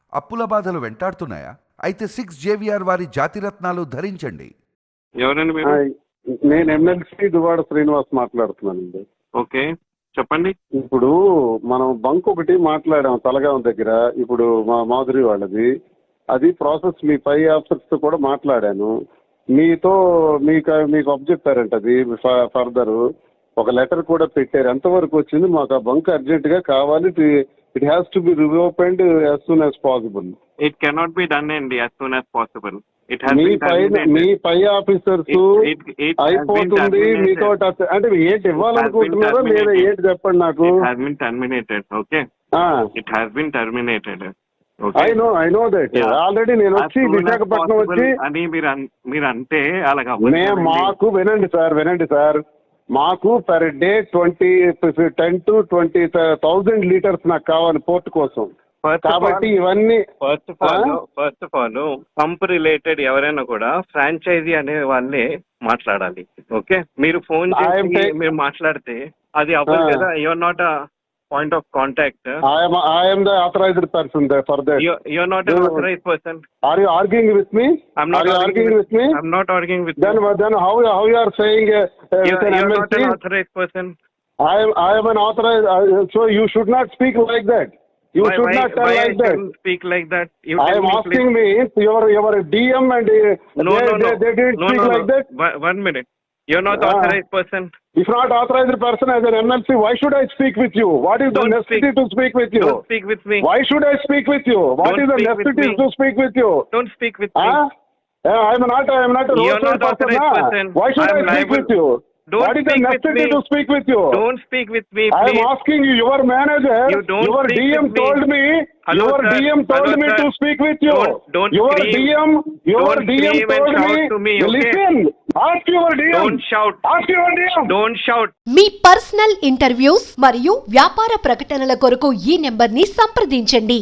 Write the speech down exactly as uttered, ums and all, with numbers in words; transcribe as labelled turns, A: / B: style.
A: అప్పుల బాధలు వెంటాడుతున్నాయా? అయితే సిక్స్ జేవిఆర్ వారి జాతిరత్నాలు ధరించండి.
B: ఎవరండి మీరు?
C: నేను ఎమ్మెల్సీ దువాడ శ్రీనివాస్ మాట్లాడుతున్నానండి.
B: ఓకే, చెప్పండి.
C: ఇప్పుడు మనం బంక్ ఒకటి మాట్లాడాం తలగాం దగ్గర, ఇప్పుడు మా మాధురి వాళ్ళది. అది ప్రాసెస్ మీ పై ఆఫీసర్స్ తో కూడా మాట్లాడాను. మీతో మీకు మీకు అబ్జెక్టారంట అది ఫర్దర్ ఒక లెటర్ కూడా పెట్టారు. ఎంతవరకు వచ్చింది? మాకు ఆ బంక్ అర్జెంట్ గా కావాలి. It has to be reopened as soon as possible.
B: It cannot be done అండి as soon as possible. It
C: మీ పై మీ పై ఆఫీసర్స్ అయిపోతుంది మీతో అంటే ఏంటి ఇవ్వాలనుకుంటున్నారో లేదా ఏంటి చెప్పండి నాకు.
B: Terminated. Okay, it has been terminated.
C: I know I know that already. నేను వచ్చి విశాఖపట్నం వచ్చి
B: అని మీరు మీరు అంటే అలాగా
C: మాకు వినండి సార్ వినండి సార్ మాకు per day twenty ten to twenty thousand litres నాకు కావాలి పోర్ట్ కోసం. కాబట్టి ఇవన్నీ
B: first of all first of all pump related ఎవరైనా కూడా ఫ్రాంచైజీ అనే వాళ్ళే మాట్లాడాలి. ఓకే, మీరు ఫోన్ చేసి మీరు మాట్లాడితే అది అవ్వదు కదా. Your not a point of contact.
C: I am I am the authorized person there for that.
B: You you are not an authorized person.
C: Are you arguing with me?
B: I'm not
C: are you arguing with, with me.
B: I'm not arguing with
C: then,
B: you.
C: Then how how you are saying uh,
B: you,
C: with an
B: you are
C: M L C?
B: Not an authorized person.
C: I am I am an authorized. Uh, so you should not speak like that. You
B: why,
C: should
B: why,
C: not tell
B: why
C: like that.
B: Speak like that. You
C: I am
B: me,
C: asking
B: please.
C: me your your D M and uh,
B: no,
C: they,
B: no, no.
C: they, they didn't
B: no,
C: speak
B: no,
C: like
B: no.
C: that.
B: One, one minute. You're not uh, authorized person.
C: If not authorized person as an M L C, why should I speak with you? What is
B: Don't
C: the necessity
B: speak.
C: to speak with you?
B: Don't speak with me.
C: Why should I speak with you? What
B: Don't
C: is the necessity to speak with you?
B: Don't speak with
C: huh? me. I am not. I am not a
B: You're not authorized person. person.
C: Why should
B: I'm
C: I speak
B: liable.
C: with you?
B: Don't
C: what is the necessity to speak with you?
B: Don't speak with me,
C: please. I am asking you. Your manager,
B: you don't
C: your
B: speak
C: D M
B: with
C: told me. me
B: Hello,
C: your
B: sir.
C: D M told
B: Hello,
C: me
B: sir.
C: to speak with you.
B: Don't, don't
C: your
B: scream.
C: D M, your
B: don't
C: D M told me.
B: To me okay?
C: Listen. Ask your D M.
B: Don't shout.
C: Ask your D M.
B: Don't shout.
D: మీ personal interviews మరియు వ్యాపార ప్రకటనల కొరకు ఈ number ని సంప్రదించండి.